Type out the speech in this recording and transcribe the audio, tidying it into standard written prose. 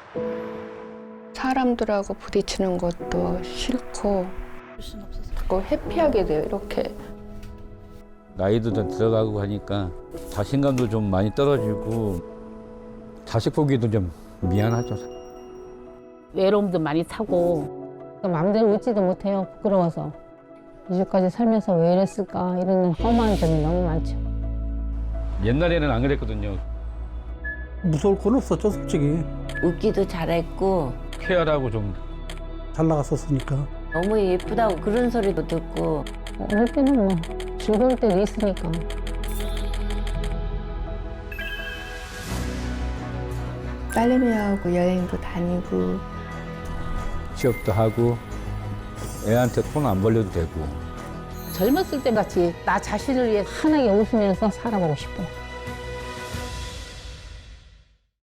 사람들하고 부딪히는 것도 싫고 자꾸 회피하게 돼요, 이렇게. 나이도 좀 들어가고 하니까 자신감도 좀 많이 떨어지고 자식 보기도 좀 미안하죠. 외로움도 많이 타고 마음대로 웃지도 못해요. 부끄러워서. 이제까지 살면서 왜 이랬을까 이런 험한 점이 너무 많죠. 옛날에는 안 그랬거든요. 무서울 건 없었죠, 솔직히. 웃기도 잘했고 쾌활하고 좀 잘 나갔었으니까. 너무 예쁘다고 그런 소리도 듣고 어릴 때는 뭐 즐거울 때도 있으니까. 딸내미하고 여행도 다니고 취업도 하고 애한테 돈 안 벌려도 되고 젊었을 때 같이 나 자신을 위해 환하게 웃으면서 살아보고 싶어요.